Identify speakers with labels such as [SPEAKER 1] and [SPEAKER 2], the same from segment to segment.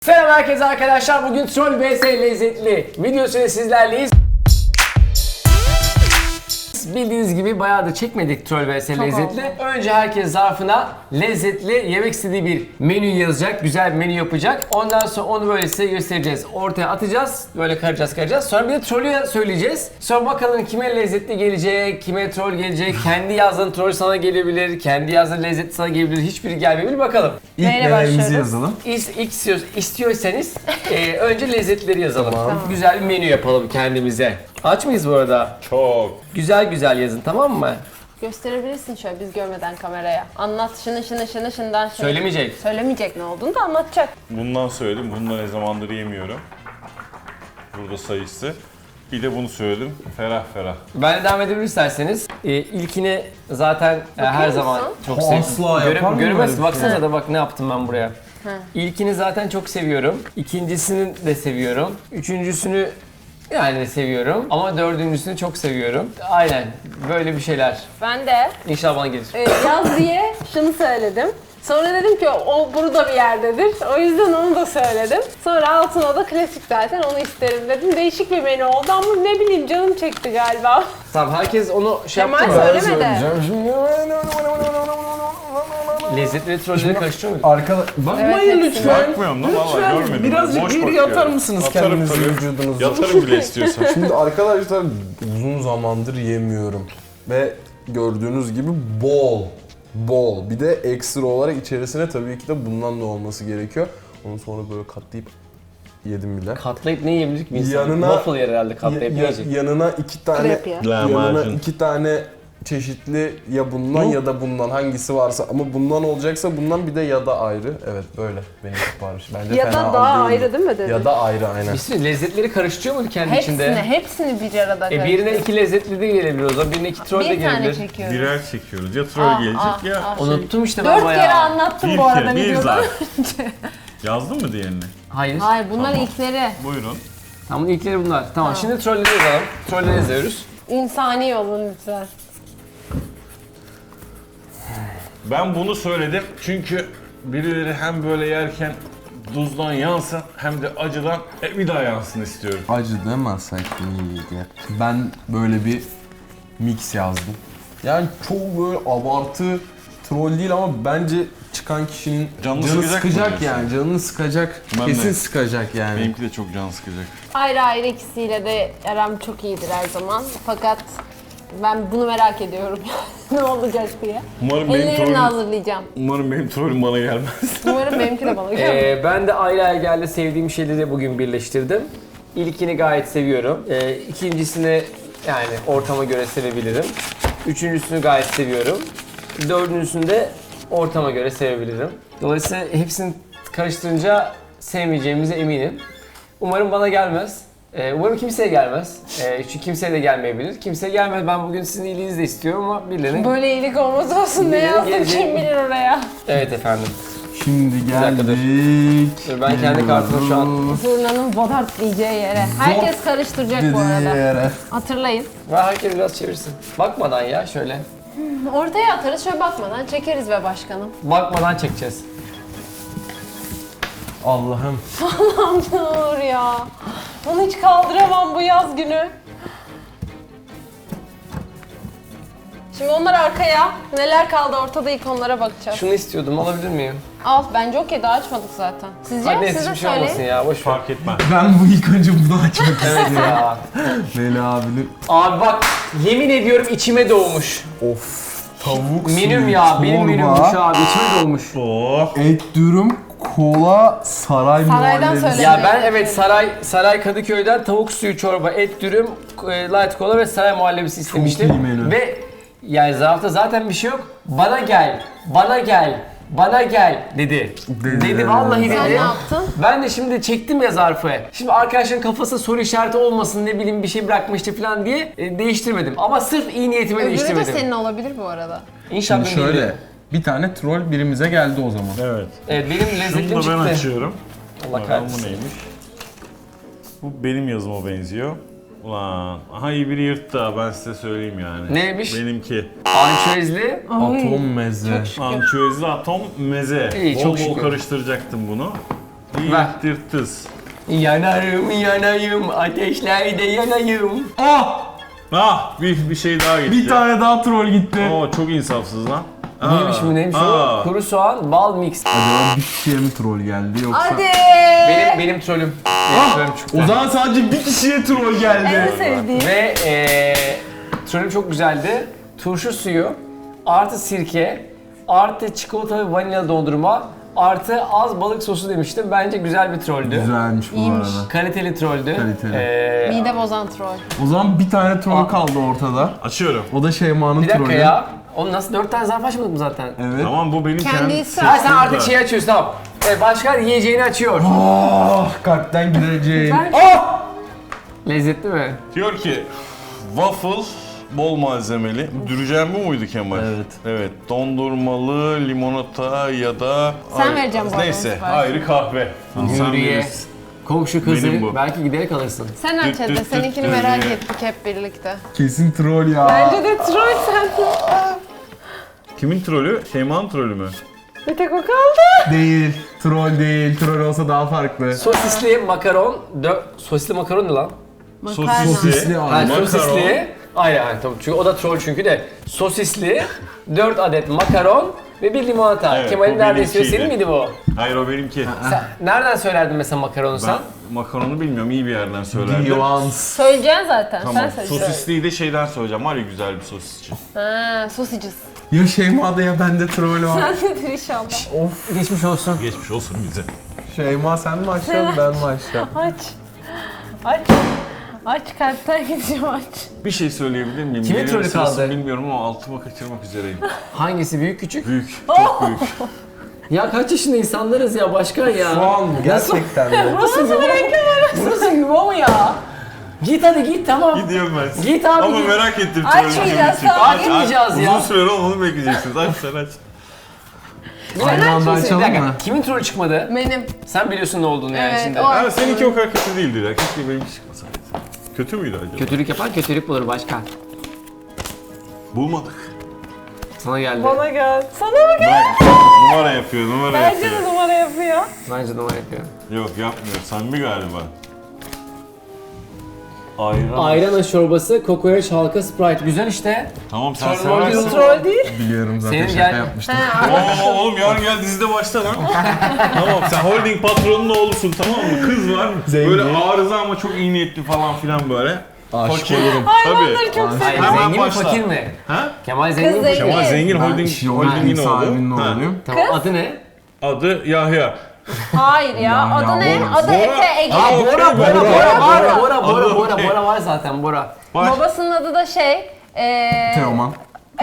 [SPEAKER 1] Selam herkese arkadaşlar. Bugün Troll vs Lezzetli videosuyla sizlerleyiz. Bildiğiniz gibi bayağı da çekmedik Troll vs Lezzetli. Önce herkes zarfına lezzetli yemek istediği bir menü yazacak. Güzel bir menü yapacak. Ondan sonra onu böyle size göstereceğiz. Ortaya atacağız. Böyle karacağız. Sonra bir de trollü söyleyeceğiz. Sonra bakalım kime lezzetli gelecek, kime troll gelecek. Kendi yazdığın troll sana gelebilir. Kendi yazdığın lezzetli sana gelebilir. Hiçbiri gelmeyebilir. Bakalım.
[SPEAKER 2] İlk nelerimizi yazalım.
[SPEAKER 1] İstiyorsanız önce lezzetleri yazalım. Tamam. Güzel bir menü yapalım kendimize. Aç mıyız bu arada?
[SPEAKER 3] Çok.
[SPEAKER 1] Güzel yazın, tamam mı?
[SPEAKER 2] Gösterebilirsin şöyle biz görmeden kameraya. Anlat şundan.
[SPEAKER 1] Söylemeyecek.
[SPEAKER 2] Söylemeyecek ne olduğunu da anlatacak.
[SPEAKER 3] Bundan söyledim. Bunu da ne zamandır yemiyorum. Burada sayısı. Bir de bunu söyledim. Ferah.
[SPEAKER 1] Ben de devam edebilir isterseniz. İlkini zaten her
[SPEAKER 2] musun?
[SPEAKER 1] zaman çok
[SPEAKER 2] Asla
[SPEAKER 1] seviyorum.
[SPEAKER 2] yapar mı
[SPEAKER 1] Göremezsin.
[SPEAKER 2] böyle bir
[SPEAKER 1] Baksanıza da bak ne yaptım ben buraya. İlkini zaten çok seviyorum. İkincisini de seviyorum. Üçüncüsünü yani de seviyorum. Ama dördüncüsünü çok seviyorum. Aynen. Böyle bir şeyler.
[SPEAKER 2] Ben de
[SPEAKER 1] İnşallah bana gelir.
[SPEAKER 2] yaz diye şunu söyledim. Sonra dedim ki o burada bir yerdedir. O yüzden onu da söyledim. Sonra altına da klasik zaten onu isterim dedim. Değişik bir menü oldu ama ne bileyim canım çekti galiba.
[SPEAKER 1] Tamam, herkes onu şey yaptı
[SPEAKER 2] Kemal
[SPEAKER 1] mı?
[SPEAKER 2] söylemedi.
[SPEAKER 1] Lezzetli trolleri karıştırıyor muyum?
[SPEAKER 2] Evet,
[SPEAKER 4] Bakmayın
[SPEAKER 2] hepsini.
[SPEAKER 4] lütfen.
[SPEAKER 3] Bakmıyorum lan vallahi görmedim.
[SPEAKER 4] Birazcık
[SPEAKER 3] Boş
[SPEAKER 4] geri
[SPEAKER 3] bakıyorum.
[SPEAKER 4] yatar mısınız
[SPEAKER 3] Yatarım
[SPEAKER 4] kendinizi
[SPEAKER 3] tabii.
[SPEAKER 4] vücudunuzu?
[SPEAKER 3] Yatarım bile istiyorsan.
[SPEAKER 4] Şimdi arkadaşlar uzun zamandır yemiyorum. Ve gördüğünüz gibi bol. Bir de ekstra olarak içerisine tabii ki de bundan da olması gerekiyor. Onu sonra böyle katlayıp yedim bile.
[SPEAKER 1] Katlayıp ne yiyebilir ki bir insan?
[SPEAKER 4] Yanına-
[SPEAKER 1] Waffle yer herhalde katlayıp yiyecek.
[SPEAKER 4] Yanına iki tane
[SPEAKER 2] Krep ya.
[SPEAKER 3] Lahmacun.
[SPEAKER 4] çeşitli ya bundan ya da bundan hangisi varsa ama bundan olacaksa bundan bir de ya da ayrı. Evet böyle benim sipariş. Bence
[SPEAKER 2] Ya da
[SPEAKER 4] fena
[SPEAKER 2] daha
[SPEAKER 4] değildi.
[SPEAKER 2] ayrı değil mi dedin?
[SPEAKER 4] Ya da ayrı aynen.
[SPEAKER 1] Bir sürü lezzetleri karıştırıyor mu kendi içinde?
[SPEAKER 2] Hepsini bir arada
[SPEAKER 1] Birine iki lezzetli de gelebilir o zaman. Birine iki troll de
[SPEAKER 2] bir tane
[SPEAKER 1] gelebilir.
[SPEAKER 2] çekiyoruz.
[SPEAKER 3] Birer çekiyoruz. Ya troll gelecek ya.
[SPEAKER 1] Unuttum işte ben
[SPEAKER 2] 4
[SPEAKER 1] bayağı.
[SPEAKER 2] kere anlattım
[SPEAKER 3] Bir
[SPEAKER 2] bu arada
[SPEAKER 3] kere, bir
[SPEAKER 2] videoda.
[SPEAKER 3] zaten. Yazdın mı diğerini?
[SPEAKER 1] Hayır.
[SPEAKER 2] Hayır bunlar ilkleri.
[SPEAKER 3] Buyurun.
[SPEAKER 1] Tamam, ilkleri bunlar. Tamam, şimdi trolleri yazalım. Trolleri yazıyoruz.
[SPEAKER 2] İnsani olun lütfen.
[SPEAKER 3] Ben bunu söyledim çünkü birileri hem böyle yerken tuzdan yansın hem de acıdan bir daha yansın istiyorum.
[SPEAKER 4] Acı demezsek iyiydi. Ben böyle bir mix yazdım. Yani çok böyle abartı troll değil ama bence çıkan kişinin
[SPEAKER 3] Canını
[SPEAKER 4] canı
[SPEAKER 3] sıkacak mı
[SPEAKER 4] sıkacak
[SPEAKER 3] diyorsun?
[SPEAKER 4] yani. Canını sıkacak.
[SPEAKER 3] Ben
[SPEAKER 4] Kesin
[SPEAKER 3] de.
[SPEAKER 4] sıkacak yani.
[SPEAKER 3] Benimki de çok can sıkacak.
[SPEAKER 2] Ayrı ayrı ikisiyle de aram çok iyidir her zaman. Fakat ben bunu merak ediyorum. Ne olacak diye. Ellerimle hazırlayacağım.
[SPEAKER 3] Umarım benim trollüm bana gelmez.
[SPEAKER 2] Umarım benimki de bana gelir.
[SPEAKER 1] Ben de ayrı ayrı geldi sevdiğim şeyleri bugün birleştirdim. İlkini gayet seviyorum. İkincisini yani ortama göre sevebilirim. Üçüncüsünü gayet seviyorum. Dördüncüsünü de ortama göre sevebilirim. Dolayısıyla hepsini karıştırınca sevmeyeceğimize eminim. Umarım bana gelmez. Umarım kimseye gelmez. Çünkü kimseye de gelmeyebilir. Kimseye gelmez. Ben bugün sizin iyiliğinizi de istiyorum ama birilerine...
[SPEAKER 2] Böyle iyilik olmaz olsun ne
[SPEAKER 1] Birileri
[SPEAKER 2] yazdım
[SPEAKER 1] gelecek.
[SPEAKER 2] kim bilir oraya.
[SPEAKER 1] Evet efendim.
[SPEAKER 4] Şimdi
[SPEAKER 1] dakika, dur.
[SPEAKER 4] geldik.
[SPEAKER 1] Dur, ben kendi kartımı şu an...
[SPEAKER 2] Zurnanın bodart diyeceği yere. Herkes karıştıracak bu arada.
[SPEAKER 4] Yere.
[SPEAKER 2] Hatırlayın.
[SPEAKER 1] Ve herkes biraz çevirsin. Bakmadan ya şöyle.
[SPEAKER 2] Ortaya atarız şöyle bakmadan çekeriz be başkanım.
[SPEAKER 1] Bakmadan çekeceğiz.
[SPEAKER 4] Allah'ım.
[SPEAKER 2] Dur ya. Onu hiç kaldıramam bu yaz günü. Şimdi onlar arkaya. Neler kaldı ortada ilk onlara bakacağız.
[SPEAKER 1] Şunu istiyordum, alabilir miyim?
[SPEAKER 2] Al bence okey daha açmadık zaten. Sizce?
[SPEAKER 1] Hadi neyse,
[SPEAKER 2] Siz de
[SPEAKER 1] hiçbir şey olmasın
[SPEAKER 2] söyleyin.
[SPEAKER 1] ya, boş ver.
[SPEAKER 3] Fark etmez.
[SPEAKER 4] Ben bu ilk önce bunu açmak
[SPEAKER 1] Evet ya.
[SPEAKER 4] Veli abinin.
[SPEAKER 1] Abi bak, yemin ediyorum içime doğmuş.
[SPEAKER 4] Of. Tavuk
[SPEAKER 1] Menüm
[SPEAKER 4] suyu,
[SPEAKER 1] ya, benim
[SPEAKER 4] çorba,
[SPEAKER 1] menümmüş abi, içime doğmuş.
[SPEAKER 3] Oh.
[SPEAKER 4] et dürüm, kola, saray
[SPEAKER 2] Saraydan
[SPEAKER 4] muhallebisi.
[SPEAKER 2] söyle.
[SPEAKER 1] Ya ben evet Saray Kadıköy'den tavuk suyu çorba, et dürüm, light kola ve saray muhallebisi istemiştim.
[SPEAKER 4] iyi menü.
[SPEAKER 1] Ve yani zarfta zaten bir şey yok. Bana gel dedi. Dedi vallahi
[SPEAKER 2] Sen ne
[SPEAKER 1] dedi.
[SPEAKER 2] yaptın?
[SPEAKER 1] Ben de şimdi çektim ya zarfı. Şimdi arkadaşların kafasında soru işareti olmasın, ne bileyim bir şey bırakmıştı falan diye değiştirmedim. Ama sırf iyi niyetime
[SPEAKER 2] Öbürü de
[SPEAKER 1] değiştirmedim.
[SPEAKER 2] senin olabilir bu arada.
[SPEAKER 1] İnşallah
[SPEAKER 4] Şimdi
[SPEAKER 1] benim değil.
[SPEAKER 4] şöyle, bir tane troll birimize geldi o zaman.
[SPEAKER 3] Evet.
[SPEAKER 1] Evet, benim lezzetlim
[SPEAKER 3] Şunu da ben
[SPEAKER 1] çıktı.
[SPEAKER 3] açıyorum.
[SPEAKER 1] Allah
[SPEAKER 3] Bakalım
[SPEAKER 1] kahretsin.
[SPEAKER 3] bu neymiş? Bu benim yazıma benziyor. Ulan, aha iyi biri yırttı ha, ben size söyleyeyim yani.
[SPEAKER 1] Neymiş?
[SPEAKER 3] Benimki.
[SPEAKER 1] Ançözli.
[SPEAKER 4] Atom meze.
[SPEAKER 3] Ançüezli atom meze.
[SPEAKER 1] İyi,
[SPEAKER 3] bol
[SPEAKER 1] çok
[SPEAKER 3] bol
[SPEAKER 1] şükür.
[SPEAKER 3] karıştıracaktım bunu. Yittirtiz.
[SPEAKER 1] Yanarım yanayım, ateşlerde yanayım.
[SPEAKER 3] Bir şey daha gitti.
[SPEAKER 4] Bir tane daha troll gitti.
[SPEAKER 3] Oo, çok insafsız lan.
[SPEAKER 1] Neymiş bu neymiş o? Kuru soğan, bal mix.
[SPEAKER 4] Acaba bir kişiye mi troll geldi yoksa?
[SPEAKER 2] Hadi.
[SPEAKER 1] Benim trollüm. Benim trollüm çıktı.
[SPEAKER 4] O zaman sadece bir kişiye troll geldi.
[SPEAKER 2] En sevdiğim.
[SPEAKER 1] Ve trollüm çok güzeldi. Turşu suyu, artı sirke, artı çikolata ve vanilya dondurma, artı az balık sosu demiştim. Bence güzel bir trolldü.
[SPEAKER 4] Güzelmiş bu
[SPEAKER 2] İyiymiş.
[SPEAKER 4] arada.
[SPEAKER 1] Kaliteli trolldü.
[SPEAKER 4] Kaliteli.
[SPEAKER 2] Mide bozan troll.
[SPEAKER 4] O zaman bir tane troll kaldı ortada.
[SPEAKER 3] Açıyorum.
[SPEAKER 4] O da Şeyma'nın
[SPEAKER 1] Bir dakika
[SPEAKER 4] trollü.
[SPEAKER 1] ya. Oğlum nasıl 4 tane zarf açmadık mı zaten?
[SPEAKER 4] Evet.
[SPEAKER 3] Tamam, bu benim
[SPEAKER 2] Kendi
[SPEAKER 3] kendi
[SPEAKER 2] ise-
[SPEAKER 1] Ha sen artık şeyi açıyorsun tamam. Başkan yiyeceğini açıyor.
[SPEAKER 4] Kalpten gideceğim.
[SPEAKER 1] Lezzetli mi?
[SPEAKER 3] Diyor ki waffle bol malzemeli. Dürücen bu muydu Kemal?
[SPEAKER 4] Evet.
[SPEAKER 3] Evet. Dondurmalı, limonata ya da...
[SPEAKER 2] Sen vereceğim bu arada
[SPEAKER 3] Neyse.
[SPEAKER 2] onu sipariş.
[SPEAKER 3] Ayrı kahve. Sen
[SPEAKER 1] Nuriye,
[SPEAKER 3] verirsin.
[SPEAKER 1] komşu kızı,
[SPEAKER 3] Benim bu.
[SPEAKER 1] belki giderek alırsın.
[SPEAKER 2] Sen aç hadi.
[SPEAKER 3] düt
[SPEAKER 2] Seninkini
[SPEAKER 3] düt
[SPEAKER 2] merak
[SPEAKER 3] düt.
[SPEAKER 2] ettik hep birlikte.
[SPEAKER 4] Kesin troll ya.
[SPEAKER 2] Bence de troll sen.
[SPEAKER 3] Kimin trolü? Şeyma'nın trolü mü?
[SPEAKER 2] Bir tek o kaldı.
[SPEAKER 4] Değil. Troll değil. Troll olsa daha farklı.
[SPEAKER 1] Sosisli makaron, sosisli makaron ne lan?
[SPEAKER 2] Makarna.
[SPEAKER 4] Sosisli
[SPEAKER 1] Ha,
[SPEAKER 4] abi.
[SPEAKER 3] Makaron.
[SPEAKER 1] sosisli. Hayır tamam çünkü o da troll çünkü de. Sosisli, 4 adet makaron ve bir limonata.
[SPEAKER 3] Evet,
[SPEAKER 1] Kemal'in
[SPEAKER 3] bu
[SPEAKER 1] neredeyse
[SPEAKER 3] benimkiydi.
[SPEAKER 1] senin miydi bu?
[SPEAKER 3] Hayır, o benimki.
[SPEAKER 1] Sen nereden söylerdin mesela makaronu sen?
[SPEAKER 3] Ben makaronu bilmiyorum, iyi bir yerden söylerdim.
[SPEAKER 4] Nuance.
[SPEAKER 2] Söyleyeceksin zaten.
[SPEAKER 3] Tamam,
[SPEAKER 2] Sen söyleyeceksin.
[SPEAKER 3] sosisliyi de şeyden söyleyeceğim. Var ya güzel bir sosisçi.
[SPEAKER 2] Ha, sosicisi.
[SPEAKER 4] Ya Şeyma'da ya bende troll var.
[SPEAKER 2] Sen nedir inşallah.
[SPEAKER 1] Geçmiş olsun.
[SPEAKER 3] Geçmiş olsun bize.
[SPEAKER 4] Şeyma sen mi açacaksın ben mi açacağım?
[SPEAKER 2] Aç. Aç. Aç kalpten gidiyor aç.
[SPEAKER 3] Bir şey söyleyebilir miyim?
[SPEAKER 1] Kimin
[SPEAKER 3] Gecenin
[SPEAKER 1] trolü
[SPEAKER 3] sırası
[SPEAKER 1] kaldı?
[SPEAKER 3] Bilmiyorum ama altıma kaçırmak üzereyim.
[SPEAKER 1] Hangisi büyük küçük?
[SPEAKER 3] Büyük, çok büyük.
[SPEAKER 1] Ya kaç yaşında insanlarız ya başkan ya.
[SPEAKER 4] Şu an mı? Gerçekten mi?
[SPEAKER 1] Burası yuva mı ya? Git hadi git tamam.
[SPEAKER 3] Gidiyorum ben.
[SPEAKER 1] Git abi
[SPEAKER 3] Ama
[SPEAKER 1] git.
[SPEAKER 3] merak ettim.
[SPEAKER 2] Açmayacağız,
[SPEAKER 3] trolü
[SPEAKER 2] tamam.
[SPEAKER 3] kimin çıktı.
[SPEAKER 1] Açmayacağız ya.
[SPEAKER 3] Uzun süre onu bekleyeceksiniz. Aç sen aç.
[SPEAKER 4] Aynı anda
[SPEAKER 1] Bir
[SPEAKER 4] açalım
[SPEAKER 1] dakika,
[SPEAKER 4] mı?
[SPEAKER 1] kimin trolü çıkmadı?
[SPEAKER 2] Benim.
[SPEAKER 1] Sen biliyorsun ne olduğunu yani
[SPEAKER 2] Evet,
[SPEAKER 1] şimdi.
[SPEAKER 2] o-
[SPEAKER 3] Ha, seninki o kadar kötü değildi ya. Keşke benimki çıkmasaydı. Kötü müydü acaba?
[SPEAKER 1] Kötülük yapan kötülük bulur başkan.
[SPEAKER 3] Bulmadık.
[SPEAKER 1] Sana geldi.
[SPEAKER 2] Bana gel. Sana mı gel?
[SPEAKER 3] Bak, numara yapıyor, numara
[SPEAKER 2] Bence
[SPEAKER 3] yapıyor.
[SPEAKER 2] de numara yapıyor.
[SPEAKER 1] Bence numara yapıyor.
[SPEAKER 3] Yok yapmıyor. Samimi galiba. Ayran.
[SPEAKER 1] Ayran aşı çorbası, kokoreç, halka, Sprite. Güzel işte.
[SPEAKER 3] Tamam sen
[SPEAKER 1] Troll
[SPEAKER 3] seversin.
[SPEAKER 2] Troll değil.
[SPEAKER 4] Biliyorum zaten
[SPEAKER 1] Senin
[SPEAKER 4] şaka
[SPEAKER 1] gel-
[SPEAKER 4] yapmıştım.
[SPEAKER 3] Oo, oğlum yarın gel dizide başla lan. Tamam, sen holding patronunun oğlusun, tamam mı? Kız var.
[SPEAKER 4] Zengin.
[SPEAKER 3] Böyle arıza ama çok iyi niyetli falan filan böyle.
[SPEAKER 4] Aşık
[SPEAKER 3] Fakir.
[SPEAKER 4] olurum.
[SPEAKER 2] Hayvanları çok
[SPEAKER 1] Hayır,
[SPEAKER 3] Hemen
[SPEAKER 1] zengin mi
[SPEAKER 3] başla.
[SPEAKER 1] fakir mi?
[SPEAKER 3] Ha?
[SPEAKER 1] Kemal zengin mi?
[SPEAKER 2] zengin.
[SPEAKER 1] fakir mi?
[SPEAKER 3] Kemal zengin
[SPEAKER 4] Ben
[SPEAKER 3] holding,
[SPEAKER 4] holding
[SPEAKER 3] holdingin
[SPEAKER 4] sahibinin
[SPEAKER 3] oğlu. Ha.
[SPEAKER 4] oğluyum.
[SPEAKER 1] Tamam adı ne?
[SPEAKER 3] Adı Yahya.
[SPEAKER 2] Hayır ya.
[SPEAKER 4] Ya,
[SPEAKER 2] Adı ne?
[SPEAKER 4] Bora.
[SPEAKER 2] Adı Efe Ege.
[SPEAKER 3] Aa,
[SPEAKER 1] Bora,
[SPEAKER 3] okey,
[SPEAKER 1] Bora
[SPEAKER 3] okey.
[SPEAKER 1] var zaten Bora.
[SPEAKER 3] Baş.
[SPEAKER 2] Babasının adı da
[SPEAKER 4] Teoman.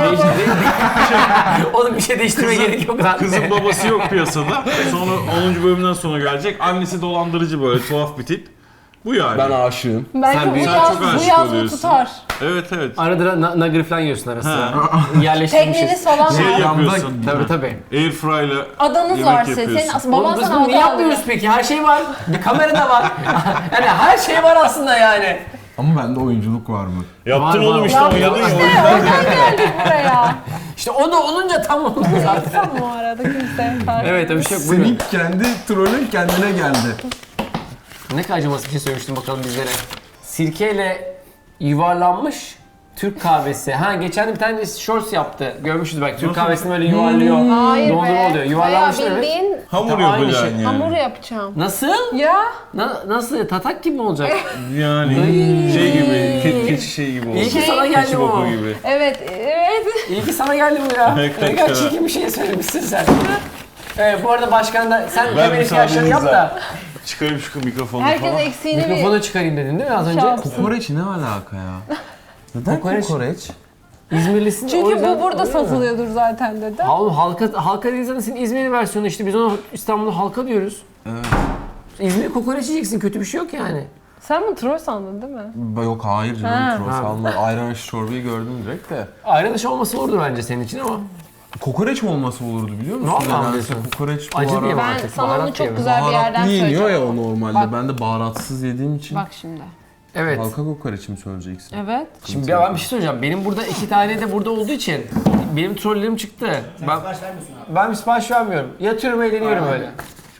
[SPEAKER 1] Oğlum bir şey değiştirmeye gerek yok lan.
[SPEAKER 3] Kızın babası yok piyasada. Sonra 10. bölümden sonra gelecek. Annesi dolandırıcı böyle tuhaf bir tip. Bu yani.
[SPEAKER 4] Ben aşığım.
[SPEAKER 2] Belki
[SPEAKER 1] Sen
[SPEAKER 2] bu
[SPEAKER 1] büyük-
[SPEAKER 2] yaz,
[SPEAKER 3] çok
[SPEAKER 2] bu
[SPEAKER 3] aşık
[SPEAKER 2] yaz bu
[SPEAKER 3] oluyorsun.
[SPEAKER 2] tutar.
[SPEAKER 3] Evet evet.
[SPEAKER 1] Arada nugget falan yiyorsun ara sıra.
[SPEAKER 3] Ha.
[SPEAKER 1] Yerleştirmişiz.
[SPEAKER 2] Tekneniz falan
[SPEAKER 3] Şey
[SPEAKER 2] var.
[SPEAKER 3] yapıyorsun.
[SPEAKER 1] Tabii tabii.
[SPEAKER 3] Airfryer'la
[SPEAKER 2] Adanız
[SPEAKER 3] yemek
[SPEAKER 2] var senin.
[SPEAKER 3] yapıyorsun.
[SPEAKER 2] Senin baban
[SPEAKER 1] Oğlum biz
[SPEAKER 2] sana
[SPEAKER 1] bunu
[SPEAKER 2] ada
[SPEAKER 1] niye
[SPEAKER 2] alıyor.
[SPEAKER 1] yapmıyoruz peki? Her şey var. Bir kamera da var. Yani her şey var aslında yani.
[SPEAKER 4] Ama bende oyunculuk var mı?
[SPEAKER 3] Yaptın
[SPEAKER 1] Var,
[SPEAKER 3] oğlum
[SPEAKER 1] var.
[SPEAKER 3] işte oynadın ya. o
[SPEAKER 2] İşte
[SPEAKER 3] yüzden.
[SPEAKER 2] oradan geldik buraya.
[SPEAKER 1] İşte o da olunca tam oldu zaten.
[SPEAKER 2] Tam bu arada kimse fark
[SPEAKER 1] Evet öyle bir şey yok. Buyurun.
[SPEAKER 4] Senin kendi trollün kendine geldi.
[SPEAKER 1] Ne kadar acımasız bir şey söylemiştim bakalım bizlere. Sirkeyle yuvarlanmış Türk kahvesi. Ha geçen de bir tane shorts yaptı. Görmüşüz belki. Türk
[SPEAKER 3] Nasıl?
[SPEAKER 1] kahvesini böyle yuvarlıyor.
[SPEAKER 2] Hayır
[SPEAKER 1] Dondurma
[SPEAKER 2] be.
[SPEAKER 1] oluyor. Yuvarlanmış
[SPEAKER 2] Bayağı
[SPEAKER 1] evet.
[SPEAKER 2] bildiğin
[SPEAKER 3] Hamur
[SPEAKER 1] Tamam, aynı
[SPEAKER 3] yapacaksın
[SPEAKER 1] şey.
[SPEAKER 3] yani.
[SPEAKER 2] hamur yapacağım.
[SPEAKER 1] Nasıl?
[SPEAKER 2] Ya.
[SPEAKER 1] Nasıl? Tatak gibi mi olacak?
[SPEAKER 3] Yani şey gibi, keçi şey gibi oldu.
[SPEAKER 1] İyi ki sana geldi
[SPEAKER 3] Keçi
[SPEAKER 1] bu.
[SPEAKER 3] boku gibi.
[SPEAKER 2] Evet, evet.
[SPEAKER 1] İyi ki sana geldi bu ya.
[SPEAKER 3] Ne
[SPEAKER 1] Ne
[SPEAKER 3] kadar
[SPEAKER 1] kadar çirkin bir şey söylemişsin sen. Evet bu arada başkan da sen
[SPEAKER 3] Ben
[SPEAKER 1] hemen ihtiyaçlarını yap da
[SPEAKER 3] Çıkarayım şu mikrofonu
[SPEAKER 2] Herkes
[SPEAKER 3] falan.
[SPEAKER 2] eksiğini bir...
[SPEAKER 1] mikrofonu çıkarayım dedin değil mi az önce?
[SPEAKER 2] Şans.
[SPEAKER 4] Kokoreç ne alaka ya? Neden
[SPEAKER 1] Kokoreç?
[SPEAKER 4] kokoreç?
[SPEAKER 1] İzmirlisin o
[SPEAKER 2] Çünkü
[SPEAKER 1] yüzden
[SPEAKER 2] bu burada
[SPEAKER 1] oluyor mu?
[SPEAKER 2] satılıyordur zaten dedi.
[SPEAKER 1] Oğlum halka değil zaten senin İzmir'in versiyonu işte biz ona İstanbul'da halka diyoruz.
[SPEAKER 4] Evet.
[SPEAKER 1] İzmir'e kokoreç yiyeceksin kötü bir şey yok yani.
[SPEAKER 2] Sen bunu troll sandın değil mi?
[SPEAKER 4] Yok hayır
[SPEAKER 2] Ha.
[SPEAKER 4] canım troll
[SPEAKER 1] Ha.
[SPEAKER 4] salma. Ayran aşı çorbayı gördüm direkt de.
[SPEAKER 1] Ayran dışı olması olurdu bence senin için ama.
[SPEAKER 4] Kokoreç mi olması olurdu biliyor musun?
[SPEAKER 1] Vallahi
[SPEAKER 4] Nedense
[SPEAKER 1] diyorsun.
[SPEAKER 4] kokoreç bu
[SPEAKER 1] Acı
[SPEAKER 4] ara
[SPEAKER 1] diye mi?
[SPEAKER 2] Ben
[SPEAKER 1] artık
[SPEAKER 2] sana
[SPEAKER 1] baharat
[SPEAKER 2] onu çok
[SPEAKER 1] diye mi?
[SPEAKER 2] güzel bir yerden
[SPEAKER 4] baharatlı yeniyor
[SPEAKER 2] söyleyeceğim.
[SPEAKER 4] ya o normalde.
[SPEAKER 2] Bak.
[SPEAKER 4] Ben de baharatsız yediğim için.
[SPEAKER 2] Bak şimdi.
[SPEAKER 1] Evet.
[SPEAKER 4] Halka kokoreç mi söyleyeceksin?
[SPEAKER 2] Evet.
[SPEAKER 1] Şimdi ben bir şey söyleyeceğim. Benim burada 2 tane de burada olduğu için benim trollerim çıktı. Ben sipariş vermiyorsun abi. Ben sipariş vermiyorum. Yatıyorum eğleniyorum öyle.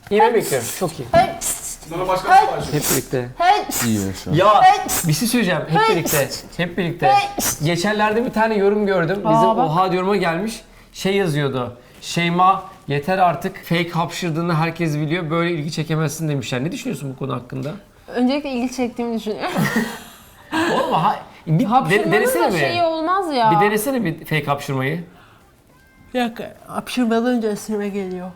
[SPEAKER 1] Yine bekliyorum. Çok iyi.
[SPEAKER 5] Sonra başka sipariş.
[SPEAKER 1] Hep birlikte.
[SPEAKER 4] İyi yaşa.
[SPEAKER 1] Ya bir şey söyleyeceğim. Hep birlikte. Hep birlikte. Geçenlerde bir tane yorum gördüm. Bizim
[SPEAKER 2] bak.
[SPEAKER 1] oha yoruma gelmiş. Şey yazıyordu. Şeyma yeter artık. Fake hapşırdığını herkes biliyor. Böyle ilgi çekemezsin demişler. Ne düşünüyorsun bu konu hakkında?
[SPEAKER 2] Öncelikle ilgi çektiğimi düşünüyorum.
[SPEAKER 1] Oğlum bir
[SPEAKER 2] Hapşırmanın
[SPEAKER 1] denesene
[SPEAKER 2] da
[SPEAKER 1] mi?
[SPEAKER 2] şeyi olmaz ya.
[SPEAKER 1] Bir denesene bir fake hapşırmayı.
[SPEAKER 2] Bir dakika. Hapşırmadan önce esneme geliyor.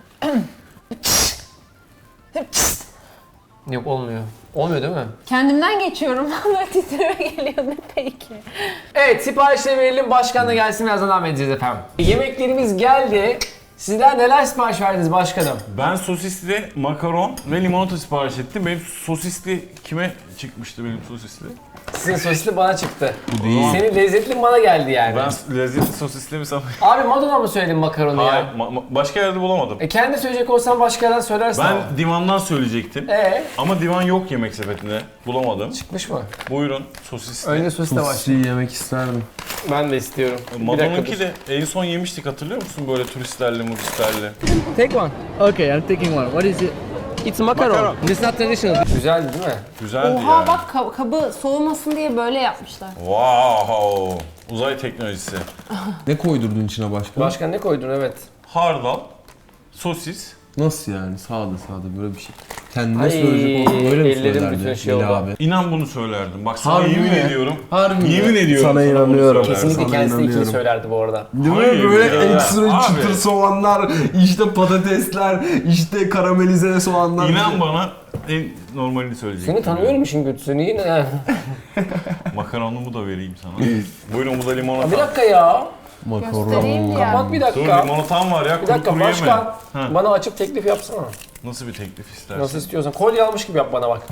[SPEAKER 1] Yok olmuyor. Olmuyor değil mi?
[SPEAKER 2] Kendimden geçiyorum. Bana titreme geliyor ne peki?
[SPEAKER 1] Evet siparişleri verelim. Başkan da gelsin birazdan devam edeceğiz efendim. Yemeklerimiz geldi. Sizler neler sipariş verdiniz başkanım?
[SPEAKER 3] Ben sosisli makaron ve limonata sipariş ettim. Benim sosisli kime çıkmıştı benim sosisli?
[SPEAKER 1] Sizin sosisli bana çıktı.
[SPEAKER 4] değil.
[SPEAKER 1] Senin lezzetli bana geldi yani.
[SPEAKER 3] Ben lezzetli sosisli mi sanıyorum?
[SPEAKER 1] Abi Madonna mı söyledin makaronu
[SPEAKER 3] Hayır,
[SPEAKER 1] ya?
[SPEAKER 3] başka yerde bulamadım.
[SPEAKER 1] Kendi söyleyecek olsan başka yerden söylersin ama.
[SPEAKER 3] Ben divandan söyleyecektim. Ama divan yok yemek sepetinde. Bulamadım.
[SPEAKER 1] Çıkmış mı?
[SPEAKER 3] Buyurun sosisli.
[SPEAKER 1] Önce sosis de var.
[SPEAKER 4] Sosisi yemek isterdim.
[SPEAKER 1] Ben de istiyorum.
[SPEAKER 3] Madonna'nınki de en son yemiştik hatırlıyor musun böyle turistlerle muristlerle?
[SPEAKER 1] Take one.
[SPEAKER 5] Okay, I'm taking one. What is it?
[SPEAKER 1] It's macaron.
[SPEAKER 3] Macaron.
[SPEAKER 1] This not traditional. Güzeldi değil mi?
[SPEAKER 3] Güzeldi
[SPEAKER 2] Oha
[SPEAKER 3] yani.
[SPEAKER 2] bak kabı soğumasın diye böyle yapmışlar.
[SPEAKER 3] Wow! Uzay teknolojisi.
[SPEAKER 4] Ne koydurdun içine başka?
[SPEAKER 1] Başkan ne koydun evet.
[SPEAKER 3] Hardal, sosis.
[SPEAKER 4] Nasıl yani? Sağda böyle bir şey. Kendine
[SPEAKER 1] Ay,
[SPEAKER 4] söyleyecek olsa böyle mi
[SPEAKER 1] ellerim
[SPEAKER 4] söylerdin?
[SPEAKER 1] bütün şey
[SPEAKER 4] Melih
[SPEAKER 1] oldu.
[SPEAKER 4] abi.
[SPEAKER 3] İnan bunu söylerdim. Bak sana
[SPEAKER 4] Harbi
[SPEAKER 3] yemin
[SPEAKER 4] mi?
[SPEAKER 3] ediyorum.
[SPEAKER 4] Harbi mi?
[SPEAKER 3] Yemin ediyorum.
[SPEAKER 4] Sana
[SPEAKER 3] bunu
[SPEAKER 4] inanıyorum.
[SPEAKER 3] söylerdim.
[SPEAKER 1] Kesinlikle
[SPEAKER 4] Sana
[SPEAKER 1] kendisi de ikili
[SPEAKER 4] inanıyorum.
[SPEAKER 1] söylerdi bu arada.
[SPEAKER 4] Değil mi?
[SPEAKER 3] Hayır
[SPEAKER 4] Böyle
[SPEAKER 3] ya.
[SPEAKER 4] ekstra
[SPEAKER 3] Abi.
[SPEAKER 4] çıtır soğanlar, işte patatesler, işte karamelize soğanlar.
[SPEAKER 3] İnan bana en normalini söyleyecektim.
[SPEAKER 1] Seni tanıyorum işin kötüsü. Niye ne?
[SPEAKER 3] Makaronumu da vereyim sana. Buyurun bu da limonata.
[SPEAKER 1] Bir dakika ya.
[SPEAKER 2] Göstereyim
[SPEAKER 4] Makaron.
[SPEAKER 2] ya.
[SPEAKER 1] Bak bir
[SPEAKER 3] Dur
[SPEAKER 1] dakika.
[SPEAKER 3] limonatam var ya.
[SPEAKER 1] Bir
[SPEAKER 3] Kuru
[SPEAKER 1] dakika
[SPEAKER 3] kuru yeme.
[SPEAKER 1] başkan.
[SPEAKER 3] Ha.
[SPEAKER 1] Bana açıp teklif yapsana.
[SPEAKER 3] Nasıl bir teklif istersin?
[SPEAKER 1] Nasıl istiyorsan. Kolye almış gibi yap bana bak.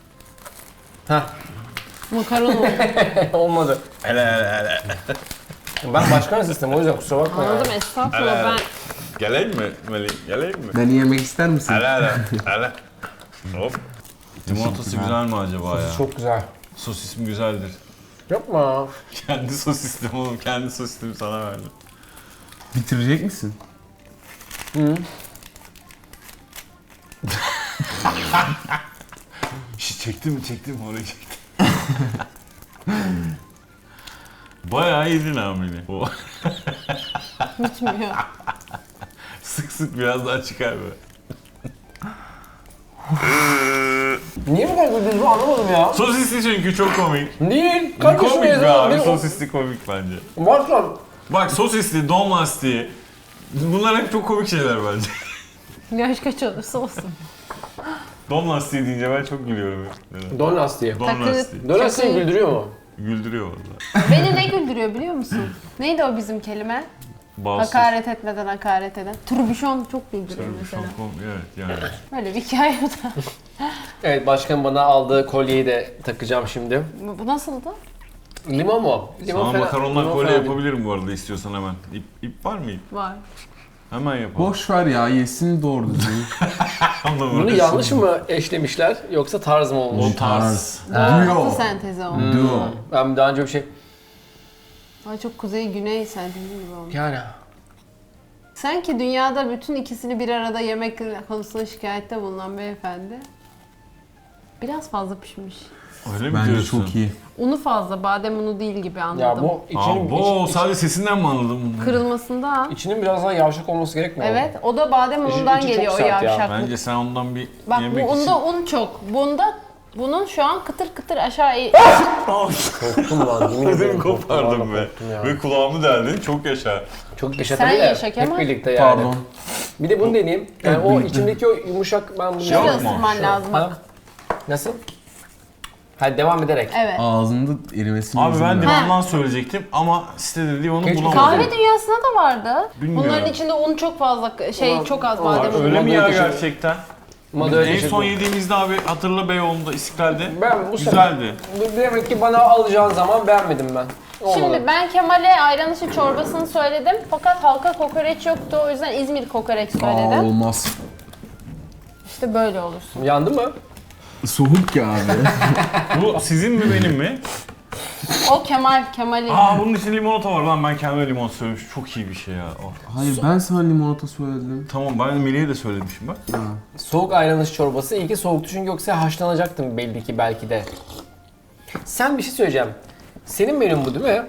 [SPEAKER 2] Makaron oldu.
[SPEAKER 1] Olmadı.
[SPEAKER 3] Hele.
[SPEAKER 1] Ben başkan sistem o yüzden kusura bakma ya.
[SPEAKER 2] Anladım estağfurullah ben.
[SPEAKER 3] Geleyim mi Melih? Geleyim mi?
[SPEAKER 4] Beni yemek ister misin?
[SPEAKER 3] Hele. Hop. Limonatası güzel mi acaba ya?
[SPEAKER 1] Çok güzel.
[SPEAKER 3] Sosis mi güzeldir?
[SPEAKER 1] Yapma.
[SPEAKER 3] Kendi sosislim oğlum. Kendi sosisimi sana verdim.
[SPEAKER 4] Bitirecek misin?
[SPEAKER 3] Çektim orayı çektim. Bayağı yedin hamile.
[SPEAKER 2] Bitmiyor.
[SPEAKER 3] Sık biraz daha çıkar böyle.
[SPEAKER 1] Niye bu kadar güldünüz bu anlamadım ya.
[SPEAKER 3] Sosisli çünkü çok komik.
[SPEAKER 1] Değil. Kardeşim
[SPEAKER 3] Komik be
[SPEAKER 1] yazıyor.
[SPEAKER 3] abi.
[SPEAKER 1] Bir-
[SPEAKER 3] Sosisli komik bence.
[SPEAKER 1] Başkan.
[SPEAKER 3] Bak sosisli, don lastiği. Bunlar hep çok komik şeyler bence.
[SPEAKER 2] Yaş kaç olursa olsun.
[SPEAKER 3] Don lastiği deyince ben çok gülüyorum. Neden?
[SPEAKER 1] Don lastiği.
[SPEAKER 3] Don
[SPEAKER 2] Takı-
[SPEAKER 3] lastiği.
[SPEAKER 1] Don lastiği güldürüyor mu?
[SPEAKER 3] Güldürüyor valla.
[SPEAKER 2] Beni ne güldürüyor biliyor musun? Neydi o bizim kelime?
[SPEAKER 3] Bağımsız.
[SPEAKER 2] Hakaret etmeden hakaret eden. Turbüşon çok güldürüyor mesela.
[SPEAKER 3] Çok komik, evet yani.
[SPEAKER 2] Böyle bir hikaye o da.
[SPEAKER 1] Evet başkan bana aldığı kolyeyi de takacağım şimdi.
[SPEAKER 2] Bu nasıldı?
[SPEAKER 1] Limon mu? Limon
[SPEAKER 3] Sana
[SPEAKER 1] fena-
[SPEAKER 3] makarondan
[SPEAKER 1] limon
[SPEAKER 3] kolye
[SPEAKER 1] fena değil.
[SPEAKER 3] yapabilirim bu arada istiyorsan hemen. İp var mı ip?
[SPEAKER 2] Var.
[SPEAKER 3] Hemen yapalım.
[SPEAKER 4] Boş ver ya, yesin doğru düzgün.
[SPEAKER 1] Bunu yanlış mı eşlemişler yoksa tarz mı olmuş?
[SPEAKER 4] Tarz.
[SPEAKER 2] Altı
[SPEAKER 4] Duo.
[SPEAKER 2] sentezi o.
[SPEAKER 4] Duo.
[SPEAKER 1] Ben daha önce bir şey...
[SPEAKER 2] Ay çok kuzey güney sentezi gibi olmuş.
[SPEAKER 1] Yani...
[SPEAKER 2] Sanki dünyada bütün ikisini bir arada yemek konusunda şikayette bulunan beyefendi. Biraz fazla pişmiş.
[SPEAKER 3] Öyle mi
[SPEAKER 4] Bence
[SPEAKER 3] diyorsun?
[SPEAKER 4] çok iyi.
[SPEAKER 2] Unu fazla, badem unu değil gibi anladım.
[SPEAKER 1] Ya bu içinin,
[SPEAKER 3] Aa, bu sadece sesinden mi anladın bunu?
[SPEAKER 2] Kırılmasında.
[SPEAKER 1] içinin biraz daha yavşak olması gerekmiyor mu?
[SPEAKER 2] Evet, o da badem unundan
[SPEAKER 1] içi çok
[SPEAKER 2] geliyor o
[SPEAKER 1] sert ya.
[SPEAKER 2] yavşaklık.
[SPEAKER 3] Bence sen ondan bir
[SPEAKER 2] Bak bu
[SPEAKER 3] yemek için...
[SPEAKER 2] unda un çok. Bunun şu an kıtır kıtır aşağı
[SPEAKER 1] Korktum lan yemin
[SPEAKER 3] Ödümü
[SPEAKER 1] ederim.
[SPEAKER 3] kopardım be.
[SPEAKER 1] korktum ya.
[SPEAKER 3] Ve kulağımı deldin, çok yaşa.
[SPEAKER 1] Çok
[SPEAKER 2] Sen
[SPEAKER 1] yaşatabilir.
[SPEAKER 2] yaşa Kemal.
[SPEAKER 1] Hep birlikte yani.
[SPEAKER 4] Pardon.
[SPEAKER 1] Bir de bunu deneyeyim. Yani o içimdeki o yumuşak ben bunu
[SPEAKER 2] Şöyle
[SPEAKER 3] Yok mu?
[SPEAKER 2] ısırman lazım bak.
[SPEAKER 1] Ha? Nasıl? Hadi devam ederek.
[SPEAKER 2] Evet.
[SPEAKER 4] Ağzında erimesini
[SPEAKER 3] Abi
[SPEAKER 4] izin
[SPEAKER 3] ben
[SPEAKER 4] ver.
[SPEAKER 3] divandan söyleyecektim ama sitede divanu
[SPEAKER 1] Keşke
[SPEAKER 3] bulamadım.
[SPEAKER 2] Kahve dünyasında da vardı.
[SPEAKER 3] Bilmiyorum.
[SPEAKER 2] Bunların içinde un çok fazla,
[SPEAKER 1] Ulan,
[SPEAKER 2] çok az
[SPEAKER 1] ulan,
[SPEAKER 2] badem unu.
[SPEAKER 3] Öyle mi ya
[SPEAKER 1] Madem düşün-
[SPEAKER 3] gerçekten?
[SPEAKER 1] Madalya
[SPEAKER 3] En son
[SPEAKER 1] düşürdüm.
[SPEAKER 3] yediğimizde abi hatırla Beyoğlu'nda İstiklal'de.
[SPEAKER 1] Ben bu
[SPEAKER 3] Güzeldi.
[SPEAKER 1] demek ki bana alacağın zaman beğenmedim ben. Olmadı.
[SPEAKER 2] Şimdi ben Kemal'e ayran dışı çorbasını söyledim fakat halka kokoreç yoktu o yüzden İzmir kokoreç
[SPEAKER 4] Aa,
[SPEAKER 2] söyledim.
[SPEAKER 4] olmaz.
[SPEAKER 2] İşte böyle olursun.
[SPEAKER 1] Yandı mı?
[SPEAKER 4] Soğuk ya abi.
[SPEAKER 3] Bu sizin mi benim mi?
[SPEAKER 2] O Kemal'in.
[SPEAKER 3] Aa bunun için limonata var lan, ben kendime limon söylemişim. Çok iyi bir şey ya. Oh.
[SPEAKER 4] Hayır ben sana limonata söyledim.
[SPEAKER 3] Tamam, ben Melih'e de söylemişim bak.
[SPEAKER 1] Soğuk ayranış çorbası. İyi ki soğuktu çünkü yoksa haşlanacaktım belli ki belki de. Sen bir şey söyleyeceğim. Senin menün bu değil mi?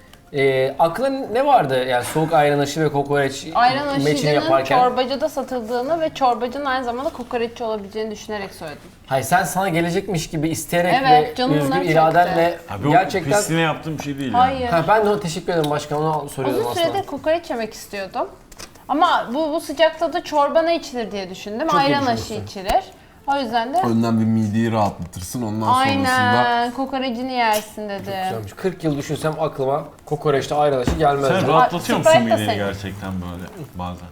[SPEAKER 1] Aklına ne vardı yani soğuk ayran aşı ve kokoreç
[SPEAKER 2] Ayran
[SPEAKER 1] meçini
[SPEAKER 2] aşıcının
[SPEAKER 1] yaparken?
[SPEAKER 2] çorbacıda satıldığını ve çorbacının aynı zamanda kokoreççi olabileceğini düşünerek söyledim.
[SPEAKER 1] Hayır sen sana gelecekmiş gibi isteyerek
[SPEAKER 2] Evet,
[SPEAKER 1] ve
[SPEAKER 2] canım
[SPEAKER 1] özgür
[SPEAKER 2] bunlar
[SPEAKER 1] iradenle
[SPEAKER 3] Abi o
[SPEAKER 1] gerçekten...
[SPEAKER 3] pisliğine yaptığım bir şey değil
[SPEAKER 2] Hayır.
[SPEAKER 3] yani.
[SPEAKER 1] Ha, ben de ona teşekkür ederim başkan, onu soruyordum
[SPEAKER 2] Uzun
[SPEAKER 1] aslında.
[SPEAKER 2] süredir kokoreç yemek istiyordum. Ama bu sıcakta da çorba ne içilir diye düşündüm.
[SPEAKER 1] Çok iyi
[SPEAKER 2] Ayran aşı
[SPEAKER 1] düşünmüşsün.
[SPEAKER 2] içilir. O yüzden de
[SPEAKER 4] Önden bir mideyi rahatlatırsın ondan sonrasında.
[SPEAKER 2] aynen kokorecini yersin dedim.
[SPEAKER 1] Güzelmiş. 40 yıl düşünsem aklıma kokoreçte ayran aşı gelmez.
[SPEAKER 3] Sen rahatlatıyor musun
[SPEAKER 2] Sprite de
[SPEAKER 3] mideni
[SPEAKER 2] senin.
[SPEAKER 3] gerçekten böyle bazen?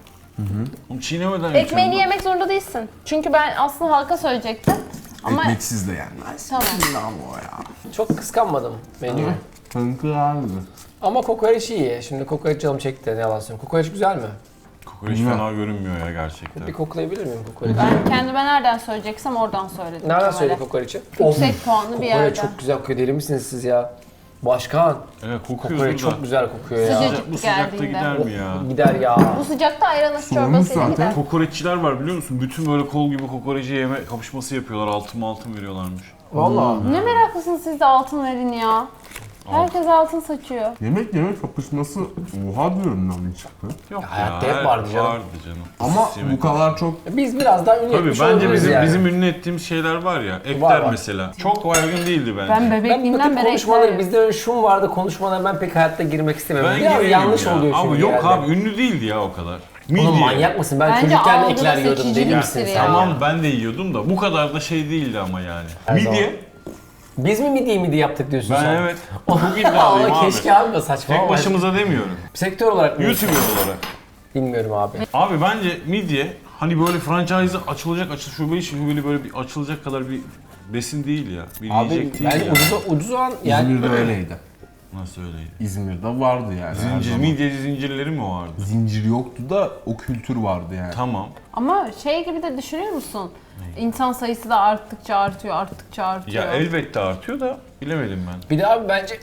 [SPEAKER 3] Onu çiğnemeden
[SPEAKER 2] Ekmeğini
[SPEAKER 3] içiyorum.
[SPEAKER 2] yemek zorunda değilsin. Çünkü ben aslında halka söyleyecektim. Ama
[SPEAKER 4] Ekmeksiz de yenmez.
[SPEAKER 2] tamam.
[SPEAKER 4] Lan o ya.
[SPEAKER 1] Çok kıskanmadım menüyü.
[SPEAKER 4] Kanka abi.
[SPEAKER 1] Ama kokoreç iyi. Şimdi kokoreç canım çekti, ne yalan söyleyeyim. Kokoreç güzel mi?
[SPEAKER 3] Kokoreç fena görünmüyor ya gerçekten.
[SPEAKER 1] Bir koklayabilir miyim kokoreçi?
[SPEAKER 2] Ben kendime nereden söyleyeceksem oradan söyledim.
[SPEAKER 1] Nereden
[SPEAKER 2] Kemal'e.
[SPEAKER 1] söyledi kokoreçi?
[SPEAKER 2] Yüksek puanlı bir
[SPEAKER 1] Kokoreç
[SPEAKER 2] yerden.
[SPEAKER 1] çok güzel kokuyor. Deli misiniz siz ya? Başkan,
[SPEAKER 3] Evet kokuyoruz
[SPEAKER 1] kokoreç
[SPEAKER 3] burada.
[SPEAKER 1] çok güzel kokuyor ya.
[SPEAKER 2] Sıcacık.
[SPEAKER 3] Bu sıcakta
[SPEAKER 2] Geldiğinde.
[SPEAKER 3] gider mi ya?
[SPEAKER 1] Gider ya.
[SPEAKER 2] Bu sıcakta ayran aşı
[SPEAKER 4] Soğumuş
[SPEAKER 2] çorbasıyla
[SPEAKER 4] zaten.
[SPEAKER 2] gider.
[SPEAKER 3] Kokoreççiler var biliyor musun? Bütün böyle kol gibi kokoreci yeme kapışması yapıyorlar. Altın veriyorlarmış.
[SPEAKER 1] Vallahi.
[SPEAKER 2] Ne meraklısınız siz de altın verin ya. Herkes altın saçıyor.
[SPEAKER 4] Yemek kapışması oha diyorum lan çıktı.
[SPEAKER 3] Yok
[SPEAKER 1] hayatta
[SPEAKER 3] ya.
[SPEAKER 1] hep vardı canım.
[SPEAKER 3] Vardı canım.
[SPEAKER 4] Ama
[SPEAKER 3] Yemek-
[SPEAKER 4] bu kadar çok
[SPEAKER 1] Biz biraz daha ünlü
[SPEAKER 3] Tabii
[SPEAKER 1] etmiş
[SPEAKER 3] bence
[SPEAKER 1] olabiliriz
[SPEAKER 3] bizim
[SPEAKER 1] yani.
[SPEAKER 3] bizim ünlü ettiğimiz şeyler var ya. Ekler
[SPEAKER 1] Var.
[SPEAKER 3] mesela. Çok baygın değildi bence.
[SPEAKER 2] Ben
[SPEAKER 1] Ben bu
[SPEAKER 2] bebekliğimden
[SPEAKER 1] tip
[SPEAKER 2] beri
[SPEAKER 1] konuşmaları,
[SPEAKER 2] eklerim.
[SPEAKER 1] bizde öyle şum vardı konuşmalara ben pek hayatta girmek istemiyorum.
[SPEAKER 3] Ben
[SPEAKER 1] Biraz
[SPEAKER 3] gireyim
[SPEAKER 1] yanlış
[SPEAKER 3] ya.
[SPEAKER 1] oluyor çünkü
[SPEAKER 3] Ama yok
[SPEAKER 1] genelde.
[SPEAKER 3] abi ünlü değildi ya o kadar.
[SPEAKER 1] Oğlum manyak mısın? Ben
[SPEAKER 2] Bence
[SPEAKER 1] çocukken
[SPEAKER 2] algıda
[SPEAKER 1] ekler yiyordum, deli
[SPEAKER 2] seçiciliktir
[SPEAKER 1] misin
[SPEAKER 2] ya.
[SPEAKER 1] sen ya?
[SPEAKER 3] Tamam ben de yiyordum da bu kadar da şey değildi ama yani.
[SPEAKER 1] Her zaman.
[SPEAKER 3] Midye.
[SPEAKER 1] Biz mi midi yaptık diyorsun
[SPEAKER 3] Ben
[SPEAKER 1] sen?
[SPEAKER 3] evet. Çok iddialıyım
[SPEAKER 1] Ama
[SPEAKER 3] abi.
[SPEAKER 1] keşke abi de saçma.
[SPEAKER 3] Tek başımıza demiyorum.
[SPEAKER 1] Sektör olarak mı?
[SPEAKER 3] YouTuber olarak.
[SPEAKER 1] Bilmiyorum abi.
[SPEAKER 3] Abi bence midye hani böyle franchise açılacak şubeli böyle bir açılacak kadar bir besin değil ya. Bir
[SPEAKER 1] Abi
[SPEAKER 3] yiyecek değil
[SPEAKER 1] bence
[SPEAKER 3] ya.
[SPEAKER 1] ucuz olan yani
[SPEAKER 4] İzmir'de öyleydi.
[SPEAKER 3] Nasıl öyleydi?
[SPEAKER 4] İzmir'de vardı yani. her
[SPEAKER 3] Zincir,
[SPEAKER 4] zaman.
[SPEAKER 3] midyeci zincirleri mi vardı?
[SPEAKER 4] Zincir yoktu da o kültür vardı yani.
[SPEAKER 3] Tamam.
[SPEAKER 2] Ama şey gibi de düşünüyor musun? İnsan sayısı da arttıkça artıyor, arttıkça artıyor.
[SPEAKER 3] Ya elbette artıyor da bilemedim ben.
[SPEAKER 1] bir de abi bence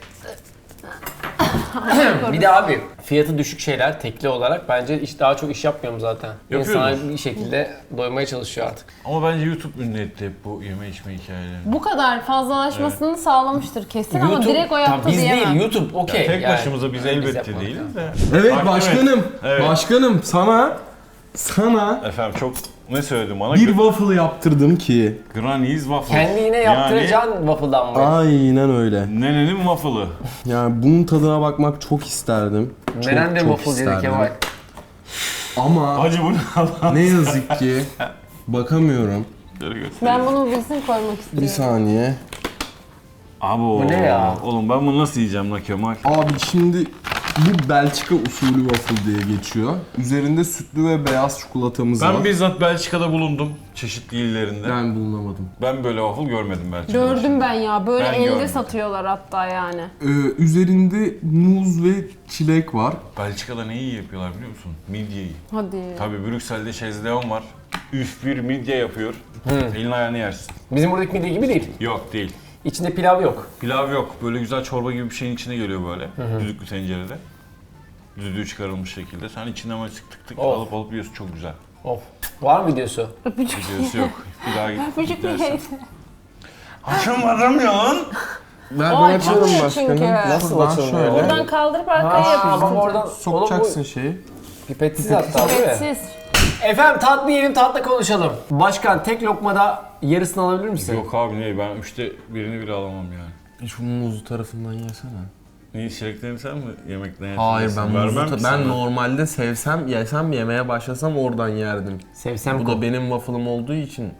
[SPEAKER 1] bir de abi fiyatı düşük şeyler tekli olarak bence daha çok iş yapmıyorum zaten.
[SPEAKER 3] Yapıyoruz.
[SPEAKER 1] İnsanlar bir şekilde doymaya çalışıyor artık.
[SPEAKER 3] Ama bence YouTube ünlü etti hep bu yeme içme hikayelerini.
[SPEAKER 2] Bu kadar fazlalaşmasını sağlamıştır kesin ama direkt o yaptı
[SPEAKER 1] Tabii biz
[SPEAKER 2] diyemem.
[SPEAKER 1] değil YouTube okey.
[SPEAKER 3] Tek
[SPEAKER 1] yani.
[SPEAKER 3] başımıza biz elbette
[SPEAKER 1] yapmadık
[SPEAKER 3] değiliz de.
[SPEAKER 4] Evet
[SPEAKER 3] Bak,
[SPEAKER 4] başkanım.
[SPEAKER 3] Evet.
[SPEAKER 4] Başkanım sana
[SPEAKER 3] Efendim çok ne söyledim bana?
[SPEAKER 4] bir waffle yaptırdım ki.
[SPEAKER 3] Granny's waffle.
[SPEAKER 1] Kendi yine yaptıracağın waffle'dan mı?
[SPEAKER 4] Aynen öyle.
[SPEAKER 3] Nenenin waffle'ı.
[SPEAKER 4] Yani bunun tadına bakmak çok isterdim. Çok
[SPEAKER 1] Neren de
[SPEAKER 4] çok
[SPEAKER 1] waffle dedi
[SPEAKER 4] isterdim.
[SPEAKER 1] Kemal.
[SPEAKER 4] Ama
[SPEAKER 3] Hacı bu ne Allah?
[SPEAKER 4] ne yazık ki bakamıyorum.
[SPEAKER 2] Ben bunu bilsin koymak
[SPEAKER 4] Bir
[SPEAKER 2] istiyorum.
[SPEAKER 4] saniye.
[SPEAKER 3] Abi
[SPEAKER 1] Bu ne ya?
[SPEAKER 3] Oğlum ben bunu nasıl yiyeceğim la Kemal?
[SPEAKER 4] Abi şimdi bu Belçika usulü waffle diye geçiyor. Üzerinde sütlü ve beyaz çikolatamız var.
[SPEAKER 3] Ben bizzat Belçika'da bulundum çeşitli illerinde.
[SPEAKER 4] Ben bulunamadım.
[SPEAKER 3] Ben böyle waffle görmedim Belçika'da.
[SPEAKER 2] Gördüm ben ya. Böyle
[SPEAKER 3] Ben
[SPEAKER 2] elde
[SPEAKER 3] görmedim.
[SPEAKER 2] satıyorlar hatta yani.
[SPEAKER 4] Üzerinde muz ve çilek var.
[SPEAKER 3] Belçika'da neyi yapıyorlar biliyor musun? Midyeyi.
[SPEAKER 2] Hadi.
[SPEAKER 3] Tabii Brüksel'de Şezdeon var. Üf bir midye yapıyor. Elin ayağını yersin.
[SPEAKER 1] Bizim buradaki midye gibi değil.
[SPEAKER 3] Yok değil.
[SPEAKER 1] İçinde pilav yok.
[SPEAKER 3] Pilav yok. Böyle güzel çorba gibi bir şeyin içine geliyor böyle. Düdüklü tencerede. Düdüğü çıkarılmış şekilde. Sen içinden böyle tık tık tık
[SPEAKER 1] Of.
[SPEAKER 3] alıp yiyorsun. Çok güzel.
[SPEAKER 1] Of. Var mı videosu?
[SPEAKER 3] Videosu yok. Bir daha git.
[SPEAKER 2] Öpücük mü
[SPEAKER 3] dersen.
[SPEAKER 2] yedi?
[SPEAKER 3] Açamadım ya.
[SPEAKER 4] Ben
[SPEAKER 2] O açılmıyor çünkü.
[SPEAKER 1] Nasıl
[SPEAKER 4] Şuradan
[SPEAKER 1] açılmıyor?
[SPEAKER 4] şöyle
[SPEAKER 2] Buradan kaldırıp arkaya
[SPEAKER 1] Aa,
[SPEAKER 2] yapıyorsun.
[SPEAKER 1] bak oradan
[SPEAKER 4] sokacaksın şeyi.
[SPEAKER 1] Pipetsiz hatta değil mi?
[SPEAKER 2] Siz.
[SPEAKER 1] Efendim tatlı yiyelim tatlı konuşalım. Başkan tek lokmada yarısını alabilir misin?
[SPEAKER 3] Yok abi ne? Ben 3'te birini bile alamam yani.
[SPEAKER 4] Şu muzlu tarafından yesene.
[SPEAKER 3] Neyi çileklerini sen mi yemekten
[SPEAKER 4] Hayır
[SPEAKER 3] yersin?
[SPEAKER 4] ben
[SPEAKER 3] Vermem
[SPEAKER 4] muzlu
[SPEAKER 3] ki
[SPEAKER 4] ben
[SPEAKER 3] sana.
[SPEAKER 4] normalde sevsem yesem yemeye başlasam oradan yerdim.
[SPEAKER 1] Sevsem
[SPEAKER 4] Bu da benim waffle'ım olduğu için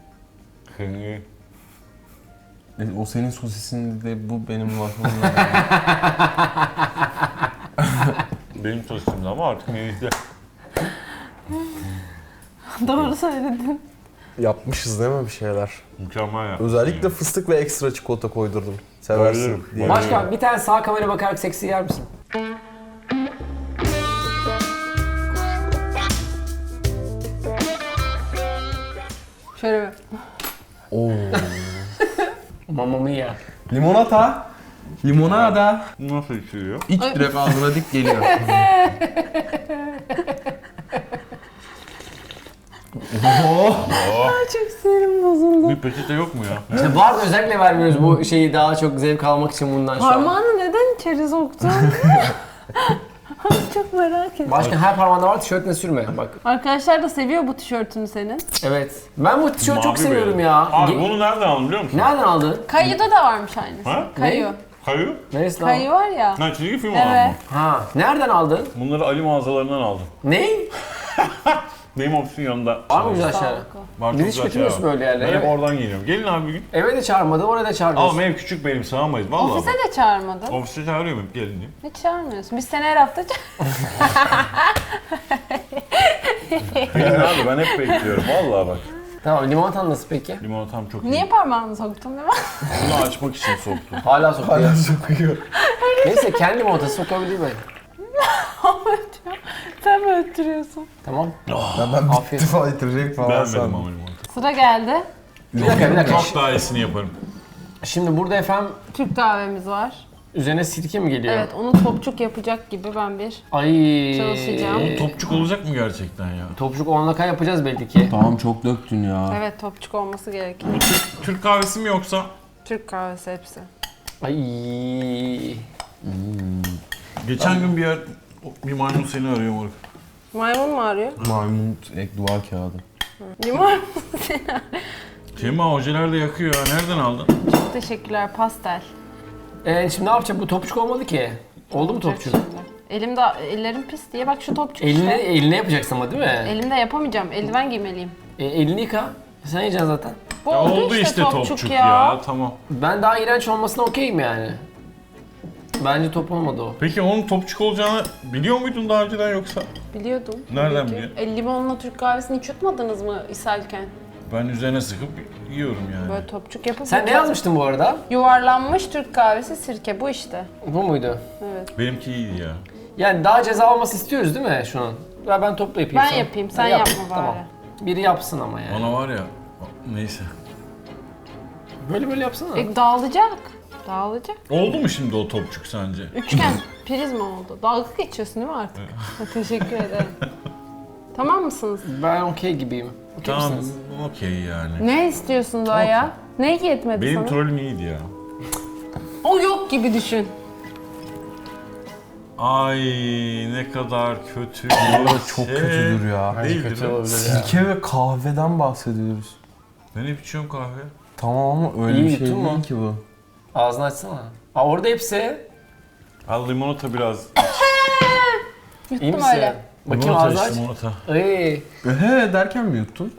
[SPEAKER 4] o senin sosisin de bu benim waffle'ım.
[SPEAKER 3] Benim tostumdu ama artık neyse.
[SPEAKER 2] Doğru söyledin.
[SPEAKER 4] Yapmışız değil mi bir şeyler?
[SPEAKER 3] Mükemmel ya.
[SPEAKER 4] Özellikle fıstık ve ekstra çikolata koydurdum. Seversin
[SPEAKER 3] Bayılırım.
[SPEAKER 4] diye.
[SPEAKER 1] Başkan bir tane sağ kamera bakarak seksi yer misin?
[SPEAKER 2] Şöyle bir.
[SPEAKER 4] Oo.
[SPEAKER 1] Mamma mia.
[SPEAKER 4] Limonata.
[SPEAKER 6] Limonada.
[SPEAKER 3] Nasıl içiliyor?
[SPEAKER 6] İç direkt ağzına dik geliyor.
[SPEAKER 2] Çok sinirim bozuldu.
[SPEAKER 3] Bir peçete yok mu ya?
[SPEAKER 1] İşte var da özellikle vermiyoruz bu şeyi daha çok zevk almak için bundan şu an.
[SPEAKER 2] Parmağını neden içeri soktun? Çok merak ettim.
[SPEAKER 1] Başka her parmağında var, tişörtüne sürme bak.
[SPEAKER 2] Arkadaşlar da seviyor bu tişörtünü senin.
[SPEAKER 1] Evet. Ben bu tişörtü çok
[SPEAKER 3] Mavi
[SPEAKER 1] seviyorum
[SPEAKER 3] beyaz.
[SPEAKER 1] ya.
[SPEAKER 3] Abi bunu nereden aldın biliyor musun?
[SPEAKER 1] Nereden aldın?
[SPEAKER 2] Kayı'da da varmış aynısı.
[SPEAKER 3] Ha?
[SPEAKER 2] Kayu.
[SPEAKER 3] Kayu?
[SPEAKER 1] Neresi lan?
[SPEAKER 2] Kayı var ya.
[SPEAKER 3] Ha çizgi film
[SPEAKER 2] Evet.
[SPEAKER 3] evet.
[SPEAKER 1] Ha. Nereden aldın?
[SPEAKER 3] Bunları Ali mağazalarından aldım.
[SPEAKER 1] Ne?
[SPEAKER 3] Benim ofisin yanında.
[SPEAKER 1] Var mı güzel aşağı?
[SPEAKER 3] Var,
[SPEAKER 1] Bizi hiç
[SPEAKER 3] güzel
[SPEAKER 1] götürmüyorsun
[SPEAKER 3] şeyler var.
[SPEAKER 1] böyle yerlere.
[SPEAKER 3] Ben hep
[SPEAKER 1] Evet.
[SPEAKER 3] oradan geliyorum. Gelin abi bir gün.
[SPEAKER 1] Eve de çağırmadın, oraya da çağırmıyorsun.
[SPEAKER 3] Ama ev küçük benim, sığamayız vallahi.
[SPEAKER 2] Ofise de çağırmadın.
[SPEAKER 3] Ofise çağırıyorum hep gelin diye.
[SPEAKER 2] Hiç çağırmıyorsun. Biz seni her hafta
[SPEAKER 3] Gelin abi ben hep bekliyorum vallahi bak.
[SPEAKER 1] Tamam, limonatan nasıl peki?
[SPEAKER 3] Limonatam çok iyi.
[SPEAKER 2] Niye parmağını soktun değil mi?
[SPEAKER 3] Bunu açmak için soktum.
[SPEAKER 1] Hala sokuyor.
[SPEAKER 4] Sokuyor.
[SPEAKER 1] Neyse kendi limonatası sokabilir mi?
[SPEAKER 2] Sen mi öttürüyorsun?
[SPEAKER 1] Tamam.
[SPEAKER 4] Ben
[SPEAKER 1] Afiyet.
[SPEAKER 4] bitti falan bitirecek falan
[SPEAKER 3] Beğenmedim
[SPEAKER 4] sandım.
[SPEAKER 3] ama limonata.
[SPEAKER 2] Sıra geldi.
[SPEAKER 1] Bir dakika.
[SPEAKER 3] Çok daha iyisini yaparım.
[SPEAKER 1] Şimdi burada efendim
[SPEAKER 2] Türk kahvemiz var.
[SPEAKER 1] üzerine sirke mi geliyor?
[SPEAKER 2] Evet, onu topçuk yapacak gibi ben bir
[SPEAKER 1] Ay.
[SPEAKER 2] Çalışacağım.
[SPEAKER 3] Topçuk olacak mı gerçekten ya?
[SPEAKER 1] Topçuk 10 dakika yapacağız belli ki.
[SPEAKER 6] Tamam çok döktün ya.
[SPEAKER 2] evet topçuk olması gerekiyor.
[SPEAKER 3] Türk kahvesi mi yoksa?
[SPEAKER 2] Türk kahvesi hepsi.
[SPEAKER 1] Ay.
[SPEAKER 3] Geçen gün bir maymun seni arıyor moruk.
[SPEAKER 2] Maymun mu arıyor?
[SPEAKER 6] Maymun ek duvar kağıdı.
[SPEAKER 2] Limon.
[SPEAKER 3] Cema ojeler de yakıyor ya. Nereden aldın?
[SPEAKER 2] Çok teşekkürler, pastel.
[SPEAKER 1] Şimdi ne yapacağım? Bu topçuk olmadı ki. Oldu mu topçuk?
[SPEAKER 2] Elimde, ellerim pis diye bak şu topçuk
[SPEAKER 1] Eline,
[SPEAKER 2] işte.
[SPEAKER 1] eline yapacaksın ama değil mi?
[SPEAKER 2] Elimde yapamayacağım, eldiven giymeliyim.
[SPEAKER 1] Elini yıka. Sen yiyeceksin zaten.
[SPEAKER 2] Bu
[SPEAKER 3] Ya
[SPEAKER 2] oldu işte
[SPEAKER 3] topçuk ya. Tamam.
[SPEAKER 1] Ben daha iğrenç olmasına okeyim yani. Bence top olmadı o.
[SPEAKER 3] Peki onun topçuk olacağını biliyor muydun daha önceden yoksa?
[SPEAKER 2] Biliyordum.
[SPEAKER 3] Nereden
[SPEAKER 2] Tabii ki.
[SPEAKER 3] biliyorsun?
[SPEAKER 2] Limonla Türk kahvesini hiç yutmadınız mı ishalken?
[SPEAKER 3] Ben üzerine sıkıp yiyorum yani.
[SPEAKER 2] Böyle topçuk yapıp
[SPEAKER 1] Sen ne yazmıştın bu arada?
[SPEAKER 2] Yuvarlanmış Türk kahvesi sirke bu işte.
[SPEAKER 1] Bu muydu?
[SPEAKER 2] Evet.
[SPEAKER 3] Benimki iyiydi ya.
[SPEAKER 1] Yani daha ceza olması istiyoruz değil mi şunun? Ben topla yapayım.
[SPEAKER 2] Ben
[SPEAKER 1] sana.
[SPEAKER 2] yapayım, sen
[SPEAKER 1] Ha, yap.
[SPEAKER 2] yapma bari.
[SPEAKER 1] Tamam. Biri yapsın ama yani.
[SPEAKER 3] Bana var ya, neyse.
[SPEAKER 1] Böyle yapsana.
[SPEAKER 2] Dağılacak. Dağılacak.
[SPEAKER 3] Oldu mu şimdi o topçuk sence?
[SPEAKER 2] Üçgen prizma oldu. Dalga geçiyorsun değil mi artık? Ha, teşekkür ederim. Tamam mısınız?
[SPEAKER 1] Ben okey gibiyim. Okey
[SPEAKER 3] Tamam,
[SPEAKER 1] misiniz?
[SPEAKER 3] okey yani.
[SPEAKER 2] Ne istiyorsun daha ya? Ne yetmedi
[SPEAKER 3] Benim
[SPEAKER 2] sana?
[SPEAKER 3] trollüm iyiydi ya.
[SPEAKER 2] O yok gibi düşün.
[SPEAKER 3] Ay ne kadar kötü.
[SPEAKER 6] Çok kötüdür ya.
[SPEAKER 3] Değildir
[SPEAKER 1] kötü
[SPEAKER 3] mi?
[SPEAKER 1] olabilir ya.
[SPEAKER 6] Sirke ve kahveden bahsediyoruz.
[SPEAKER 3] Ben hep içiyorum kahve.
[SPEAKER 6] Tamam ama öyle
[SPEAKER 1] İyi
[SPEAKER 6] bir şey
[SPEAKER 1] yuttun mu?
[SPEAKER 6] değil ki bu.
[SPEAKER 1] Ağzını açsana. Aa, orada hepsi.
[SPEAKER 3] Al limonata biraz.
[SPEAKER 1] İyi
[SPEAKER 2] Yuttum
[SPEAKER 1] misin?
[SPEAKER 2] öyle.
[SPEAKER 1] Bakayım
[SPEAKER 3] Limonata
[SPEAKER 1] ağzını aç.
[SPEAKER 3] iç, limonata.
[SPEAKER 1] Ay.
[SPEAKER 6] He derken mi yuttun?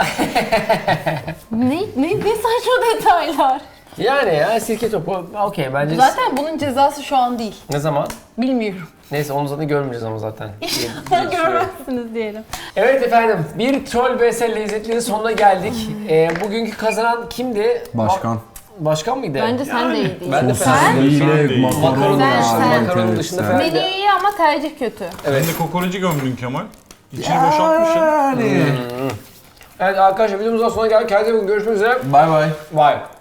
[SPEAKER 2] Ne saçma detaylar.
[SPEAKER 1] Yani ya sirke topu okey bence.
[SPEAKER 2] Zaten bunun cezası şu an değil.
[SPEAKER 1] Ne zaman?
[SPEAKER 2] Bilmiyorum.
[SPEAKER 1] Neyse onu zaten görmeyeceğiz ama zaten.
[SPEAKER 2] İnşallah görmezsiniz diyelim.
[SPEAKER 1] Evet efendim, bir Troll vs Lezzetli'nin sonuna geldik. Bugünkü kazanan kimdi?
[SPEAKER 6] Başkan.
[SPEAKER 1] Başkan mıydı?
[SPEAKER 2] Bence sen de
[SPEAKER 3] Yani.
[SPEAKER 2] iyi değil.
[SPEAKER 1] Ben de
[SPEAKER 2] Sen?
[SPEAKER 6] Sosisliyle
[SPEAKER 3] Sen-
[SPEAKER 6] makaron
[SPEAKER 2] Sen-
[SPEAKER 6] ya.
[SPEAKER 2] sen-
[SPEAKER 1] Makaronun dışında falan.
[SPEAKER 2] Menü iyi ama tercih kötü.
[SPEAKER 1] Evet.
[SPEAKER 3] Sen de kokoreci gömdün Kemal. İçini boşaltmışsın.
[SPEAKER 6] Yani.
[SPEAKER 1] Evet arkadaşlar videomuzdan sonra geldik. Kendinize iyi bakın. Görüşmek üzere.
[SPEAKER 6] Bay bay.
[SPEAKER 1] Bye.